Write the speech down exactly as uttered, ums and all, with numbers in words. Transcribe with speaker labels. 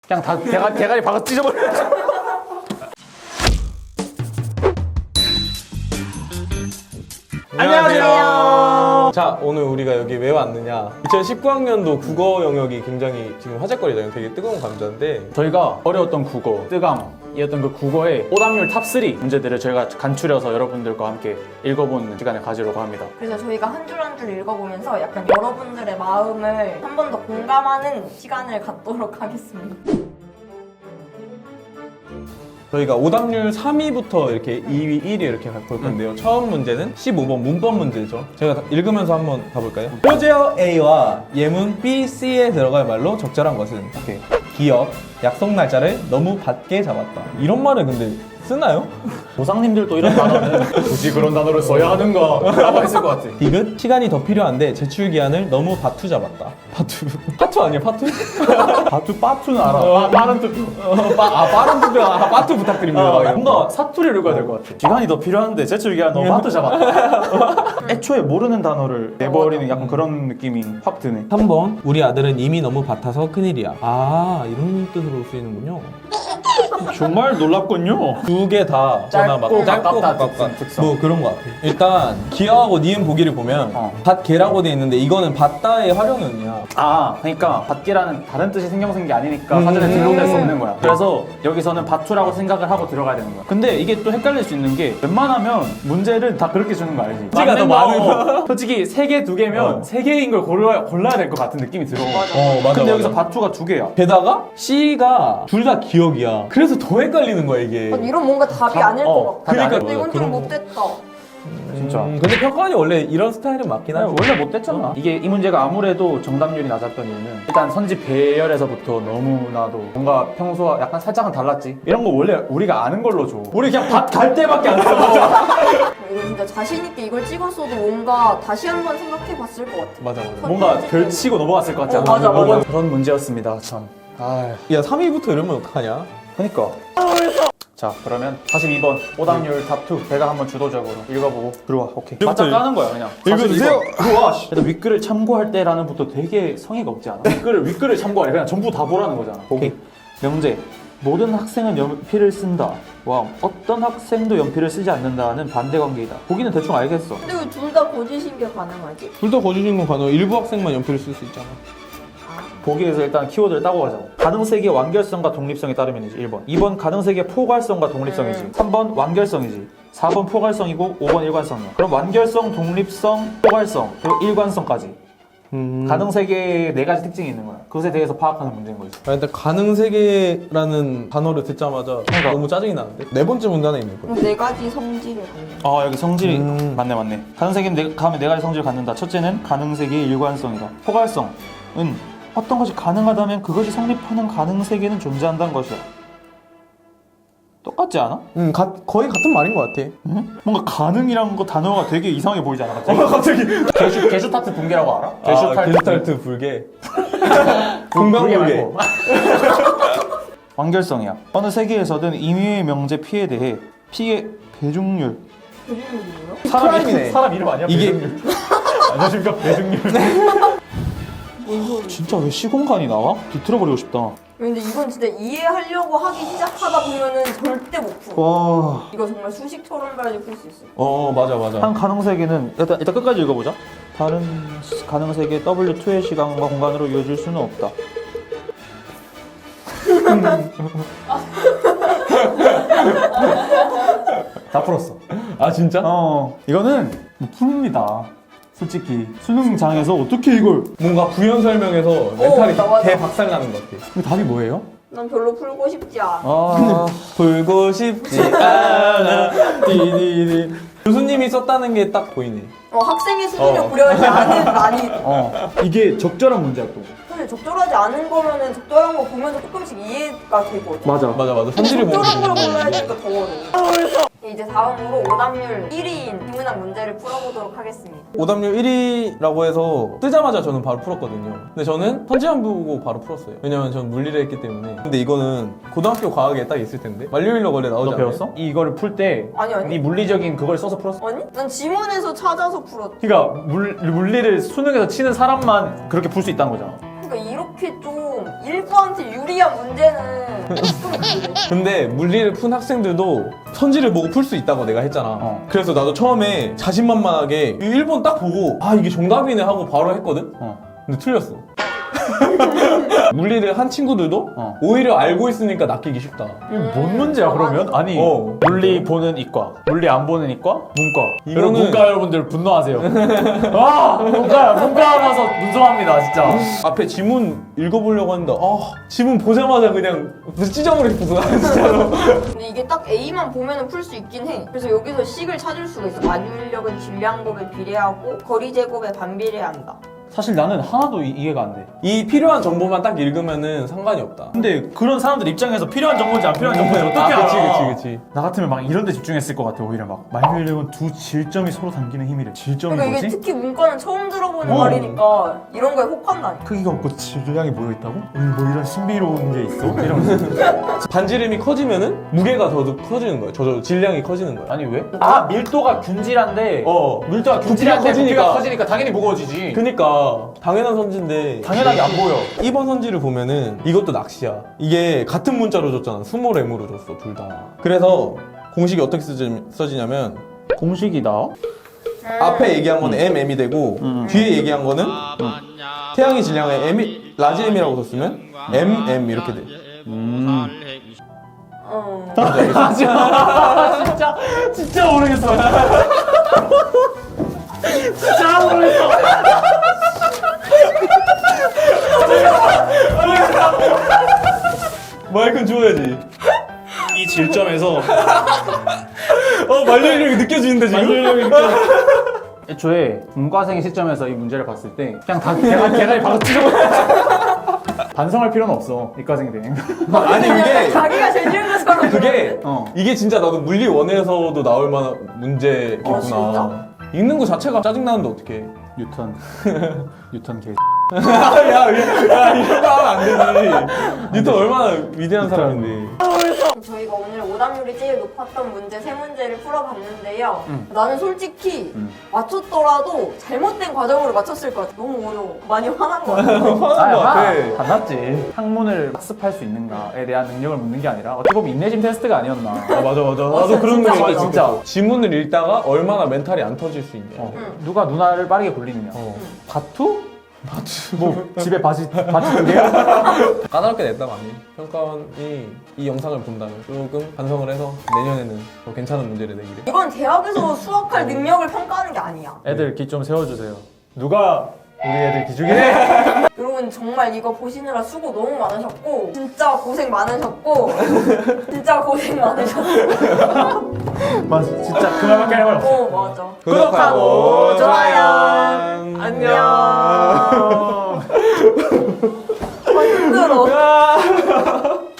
Speaker 1: 그냥 다 대가, 대가리 박아 찢어버려.
Speaker 2: 안녕하세요. 자, 오늘 우리가 여기 왜 왔느냐? 이천십구 학년도 국어 영역이 굉장히 지금 화제거리잖아요. 되게 뜨거운 감자인데
Speaker 1: 저희가 어려웠던 국어, 뜨감이었던 그 국어의 오답률 탑삼 문제들을 저희가 간추려서 여러분들과 함께 읽어보는 시간을 가지려고 합니다.
Speaker 3: 그래서 저희가 한 줄 한 줄 읽어보면서 약간 여러분들의 마음을 한 번 더 공감하는 시간을 갖도록 하겠습니다.
Speaker 2: 저희가 오답률 삼 위부터 이렇게 이 위, 일 위 이렇게 볼 건데요. 처음 문제는 십오 번 문법 문제죠. 제가 다- 읽으면서 한번 가볼까요? 호재어 A와 예문 B, C에 들어갈 말로 적절한 것은 오케이. 기억, 약속 날짜를 너무 받게 잡았다. 이런 말을 근데 쓰나요?
Speaker 1: 보상님들도 이런 단어는 굳이 그런 단어를 써야 하는가 라고 했을 것 같아.
Speaker 2: 디귿, 시간이 더 필요한데 제출 기한을 너무 바투 잡았다. 바투. 파투 아니야, 파투?
Speaker 1: 바투, 빠투는 알아.
Speaker 2: 어,
Speaker 1: 빠, 빠른 투표.
Speaker 2: 어, 빠, 아, 빠른 투표. 아, 파투 부탁드립니다.
Speaker 1: 어,
Speaker 2: 막
Speaker 1: 뭔가 사투리를 읽어야 될 것 같아. 시간이 더 필요한데 제출 기한 너무 빠트 잡았다. 애초에 모르는 단어를 내버리는 약간 그런 느낌이 확 드네.
Speaker 2: 삼 번 우리 아들은 이미 너무 밭아서 큰일이야. 아, 이런 뜻으로 쓰이는군요.
Speaker 1: 정말 놀랍군요.
Speaker 2: 두 개 다 저나 막
Speaker 1: 짧고
Speaker 2: 짧고
Speaker 1: 가깝다,
Speaker 2: 가깝다
Speaker 1: 특성.
Speaker 2: 뭐 그런 것 같아. 일단 기하하고 니은 보기를 보면
Speaker 1: 어.
Speaker 2: 밭개라고 돼 있는데 이거는 밭다의 활용형이야.
Speaker 1: 아, 그러니까 밭기라는 다른 뜻이 신경쓴 게 아니니까
Speaker 2: 음.
Speaker 1: 사전에 등록될 수 없는 거야. 그래서 여기서는 밭투라고 생각을 하고 들어가야 되는 거야. 근데 이게 또 헷갈릴 수 있는 게 웬만하면 문제를 다 그렇게 주는 거 알지?
Speaker 2: 찌가 더
Speaker 1: 맞는 거,
Speaker 2: 많은
Speaker 1: 어, 솔직히 세 개, 두 개면
Speaker 2: 어.
Speaker 1: 세 개인 걸 골라야, 골라야 될 것 같은 느낌이 들어.
Speaker 2: 어, 맞아.
Speaker 1: 근데
Speaker 2: 맞아.
Speaker 1: 여기서 밭투가 두 개야.
Speaker 2: 게다가 C가 둘 다 기억이야. 그래서 더 헷갈리는 거야 이게.
Speaker 3: 아니, 이런 뭔가 답이
Speaker 1: 답-
Speaker 3: 아닐
Speaker 1: 어,
Speaker 3: 것 같아.
Speaker 1: 답이
Speaker 2: 그러니까
Speaker 3: 근데 이건
Speaker 2: 그런
Speaker 3: 좀
Speaker 2: 거.
Speaker 3: 못됐다.
Speaker 1: 진짜.
Speaker 2: 음, 근데 평가원이 원래 이런 스타일은 맞긴 하지.
Speaker 1: 원래 못 됐잖아. 이게 이 문제가 아무래도 정답률이 낮았던 이유는 일단 선지 배열에서부터 너무나도 뭔가 평소와 약간 살짝은 달랐지. 이런 거 원래 우리가 아는 걸로 줘. 우리 그냥 밭 갈 때밖에 안 써.
Speaker 3: 이거 진짜 자신있게 이걸 찍었어도 뭔가 다시 한번 생각해봤을 것 같아.
Speaker 2: 맞아 맞아.
Speaker 1: 뭔가 별치고 넘어갔을 것 같지 않아?
Speaker 3: 어, 맞아, 맞아.
Speaker 1: 그런 문제였습니다. 참. 아,
Speaker 2: 야 삼 위부터 이러면 어떡하냐?
Speaker 1: 그니까. 자, 그러면 사십이 번 오답률 탑이 제가 한번 주도적으로 읽어보고 들어와. 오케이. 맞짱 까는 거야 그냥.
Speaker 2: 읽어주세요.
Speaker 1: 사십이 번. 들어와. 씨. 일단 윗글을 참고할 때라는 부터 되게 성의가 없지 않아? 윗글을 윗글을 참고하래. 그냥 전부 다 보라는 거잖아.
Speaker 2: 오케이.
Speaker 1: 명제. 모든 학생은 연필을 쓴다. 와, 어떤 학생도 연필을 쓰지 않는다는 반대 관계이다. 보기는 대충 알겠어.
Speaker 3: 근데 왜 둘 다 거짓인 게 가능하지?
Speaker 2: 둘 다 거주신 건 가능. 일부 학생만 연필을 쓸 수 있잖아.
Speaker 1: 보기에서 일단 키워드를 따고 가자. 가능세계의 완결성과 독립성에 따르면이지. 일 번. 이 번 가능세계의 포괄성과 독립성이지.
Speaker 3: 음.
Speaker 1: 삼 번 완결성이지. 사 번 포괄성이고 오 번 일관성이야. 그럼 완결성, 독립성, 포괄성, 그리고 일관성까지.
Speaker 2: 음.
Speaker 1: 가능세계의 네 가지 특징이 있는 거야. 그것에 대해서 파악하는 문제인 거지.
Speaker 2: 아, 일단 가능세계라는 단어를 듣자마자
Speaker 1: 그러니까.
Speaker 2: 너무 짜증이 나는데? 네 번째 문단에 있는 거야.
Speaker 3: 그럼 네 가지 성질을 갖는.
Speaker 1: 아, 여기 성질이
Speaker 2: 음.
Speaker 1: 맞네 맞네. 가능세계는 네, 다음에 네 가지 성질을 갖는다. 첫째는 가능세계의 일관성이다. 포괄성은 어떤 것이 가능하다면 그것이 성립하는 가능세계는 존재한다는 것이야. 똑같지 않아?
Speaker 2: 음, 가, 거의 같은 말인 것 같아.
Speaker 1: 응? 뭔가 가능이란 거 단어가 되게 이상하게 보이지 않아? 갑자기? 갑자기 게슈, 게슈타트 붕괴라고 알아?
Speaker 2: 아, 게스탈트 불개. 공방불개.
Speaker 1: 완결성이야. 어느 세계에서든 임의의 명제 피에 대해 피의 배중률.
Speaker 3: 배중률이 뭐야?
Speaker 1: 사람
Speaker 2: 크라임이네.
Speaker 1: 이름, 사람 이름 아니야?
Speaker 2: 이게-
Speaker 1: 배중률. 안녕하십니까? 배중률.
Speaker 3: 뭔 소리?
Speaker 1: 진짜 왜 시공간이 나와? 뒤틀어버리고 싶다.
Speaker 3: 근데 이건 진짜 이해하려고 하기 시작하다 보면은 절대 못 풀어.
Speaker 1: 와.
Speaker 3: 이거 정말 수식처럼까지 풀 수 있어.
Speaker 2: 어, 맞아, 맞아.
Speaker 1: 한 가능세계는 일단, 일단 끝까지 읽어보자. 다른 가능세계 더블유 투의 시간과 공간으로 이어질 수는 없다. 다 풀었어.
Speaker 2: 아, 진짜?
Speaker 1: 어, 이거는 못 풉니다. 솔직히 수능장에서 어떻게 이걸?
Speaker 2: 뭔가 부연 설명에서 멘탈이
Speaker 3: 맞아, 맞아.
Speaker 2: 대박살 나는 것 같아.
Speaker 1: 이 답이 뭐예요?
Speaker 3: 난 별로 풀고 싶지 않아.
Speaker 1: 아,
Speaker 2: 불고 싶지 않아. 디디디. 교수님이 썼다는 게 딱 보이네.
Speaker 3: 어, 학생의 수준을
Speaker 2: 어.
Speaker 3: 고려하지 않은 말이.
Speaker 1: 어, 이게 적절한 문제야 또.
Speaker 3: 사실 적절하지 않은 거면은 적절한 거 보면서 조금씩 이해가 되거든.
Speaker 1: 맞아.
Speaker 2: 맞아, 맞아.
Speaker 3: 근데
Speaker 2: 성질이 보면
Speaker 3: 적절한 걸 골라야
Speaker 2: 되는
Speaker 3: 되니까 더 어려워. 이제 다음으로 오답률 일 위인 비문학 문제를 풀어보도록 하겠습니다.
Speaker 2: 오답률 일 위라고 해서 뜨자마자 저는 바로 풀었거든요. 근데 저는 선지안 보고 바로 풀었어요. 왜냐면 전 물리를 했기 때문에. 근데 이거는 고등학교 과학에 딱 있을 텐데. 만료일력 원래 나오지
Speaker 1: 너
Speaker 2: 않아요?
Speaker 1: 배웠어? 이거를 풀 때
Speaker 3: 아니, 아니.
Speaker 1: 네 물리적인 그걸 써서 풀었어?
Speaker 3: 아니? 난 지문에서 찾아서 풀었.
Speaker 1: 그러니까 물, 물리를 수능에서 치는 사람만 그렇게 풀 수 있다는 거잖아.
Speaker 3: 그러니까 이렇게 이렇게 좀 일부한테 유리한 문제는 좀 그래.
Speaker 2: 근데 물리를 푼 학생들도 선지를 보고 풀 수 있다고 내가 했잖아.
Speaker 1: 어.
Speaker 2: 그래서 나도 처음에 자신만만하게 이 일 번 딱 보고 아 이게 정답이네 하고 바로 했거든?
Speaker 1: 어.
Speaker 2: 근데 틀렸어. 물리를 한 친구들도
Speaker 1: 어.
Speaker 2: 오히려 알고 있으니까 낚이기 쉽다.
Speaker 1: 이게 뭔 문제야 그러면? 아니
Speaker 2: 어.
Speaker 1: 물리 보는 이과, 물리 안 보는 이과, 문과.
Speaker 2: 이거는-
Speaker 1: 여러분 문과 여러분들 분노하세요. 와 문과 문과라서 분노합니다 진짜.
Speaker 2: 앞에 지문 읽어보려고 했는데 아 지문 보자마자 그냥 찢어버리고 싶어서 나는 진짜로.
Speaker 3: 근데 이게 딱 A만 보면은 풀 수 있긴 해. 그래서 여기서 식을 찾을 수가 있어. 만유인력은 질량곱에 비례하고 거리 제곱에 반비례한다.
Speaker 1: 사실 나는 하나도 이, 이해가 안 돼.
Speaker 2: 이 필요한 정보만 딱 읽으면은 상관이 없다.
Speaker 1: 근데 그런 사람들 입장에서 필요한 정보인지 안 필요한 정보인지 어떻게
Speaker 2: 아,
Speaker 1: 알아?
Speaker 2: 그치 그치 그치.
Speaker 1: 나 같으면 막 이런 데 집중했을 것 같아. 오히려 막 만유인력은 두 질점이 서로 당기는 힘이래. 질점이
Speaker 3: 그러니까 이게
Speaker 1: 뭐지?
Speaker 3: 특히 문과는 처음 들어보는
Speaker 1: 어.
Speaker 3: 말이니까 이런 거에 혹한다니까.
Speaker 1: 크기가 없고 질량이 모여 있다고? 음, 뭐 이런 신비로운 게 있어? 이러면서
Speaker 2: 반지름이 커지면은 무게가 더 커지는 거야. 저, 저 질량이 커지는 거야.
Speaker 1: 아니 왜? 아 밀도가 균질한데
Speaker 2: 어.
Speaker 1: 밀도가
Speaker 2: 부피가
Speaker 1: 균질한데
Speaker 2: 커지니까.
Speaker 1: 부피가 커지니까 당연히 무거워지지.
Speaker 2: 그니까 당연한 선지인데
Speaker 1: 당연하게 안 보여.
Speaker 2: 이 번 선지를 보면은 이것도 낚시야. 이게 같은 문자로 줬잖아. 스몰 M으로 줬어 둘 다. 그래서 공식이 어떻게 쓰지, 써지냐면
Speaker 1: 공식이다.
Speaker 2: 앞에 얘기한 거는 M, M이 되고
Speaker 1: 음.
Speaker 2: 뒤에 얘기한 거는 태양의 질량을 M, 라지 M이라고 썼으면 M, M 이렇게 돼.
Speaker 1: 음.
Speaker 3: 어.
Speaker 1: 진짜 진짜 모르겠어. 진짜 모르겠어.
Speaker 2: 마이크는 줘야지.
Speaker 1: 이 질점에서
Speaker 2: 어 만료력이 느껴지는데 지금?
Speaker 1: 만유인력이 느껴. 애초에 문과생의 시점에서 이 문제를 봤을 때 그냥 다 대가, 대가리 바로 찢어. 반성할 필요는 없어 이과생들.
Speaker 2: 아니 그게
Speaker 3: 자기가 제일 쉬운 것처럼
Speaker 2: 그게
Speaker 1: 어.
Speaker 2: 이게 진짜 나도 물리 원에서도 나올 만한 문제겠구나.
Speaker 3: 어, 진짜?
Speaker 2: 읽는 거 자체가 짜증 나는데 어떡해?
Speaker 1: 뉴턴 뉴턴 개.
Speaker 2: 야, 야, 야, 이런 거 하면 안 되지. 뉴턴 얼마나 위대한 사람인데.
Speaker 3: 저희가 오늘 오답률이 제일 높았던 문제 세 문제를 풀어봤는데요.
Speaker 1: 음.
Speaker 3: 나는 솔직히
Speaker 1: 음.
Speaker 3: 맞췄더라도 잘못된 과정으로 맞췄을 것 같아. 너무 어려워. 많이 화난 것 같아.
Speaker 2: 화난 거 같아.
Speaker 1: 받았지. 학문을 학습할 수 있는가에 대한 능력을 묻는 게 아니라 어떻게 보면 인내심 테스트가 아니었나.
Speaker 2: 아, 맞아, 맞아.
Speaker 3: 맞아,
Speaker 2: 나도 그런
Speaker 3: 진짜
Speaker 2: 느낌
Speaker 3: 맞아.
Speaker 2: 진짜. 지문을 읽다가 얼마나 멘탈이 안 터질 수 있냐.
Speaker 1: 어.
Speaker 3: 응.
Speaker 1: 누가 누나를 빠르게 굴리느냐.
Speaker 2: 어.
Speaker 1: 바투? 바투. 뭐 집에 바지 바지 두 개야?
Speaker 2: 까다롭게 냈다 많이. 평가원이 이 영상을 본다면 조금 반성을 해서 내년에는 더 괜찮은 문제를 내기를.
Speaker 3: 이건 대학에서 수학할 능력을 평가하는 게 아니야.
Speaker 1: 애들 기 좀 세워주세요. 누가 우리 애들 기죽이네?
Speaker 3: 여러분 정말 이거 보시느라 수고 너무 많으셨고 진짜 고생 많으셨고 진짜 고생 많으셨고
Speaker 1: 맞아. 진짜 그 말밖에 할 말 없어.
Speaker 3: 어 맞아.
Speaker 2: 구독하고
Speaker 3: 좋아요. 안녕. 아 힘들어.
Speaker 2: 야.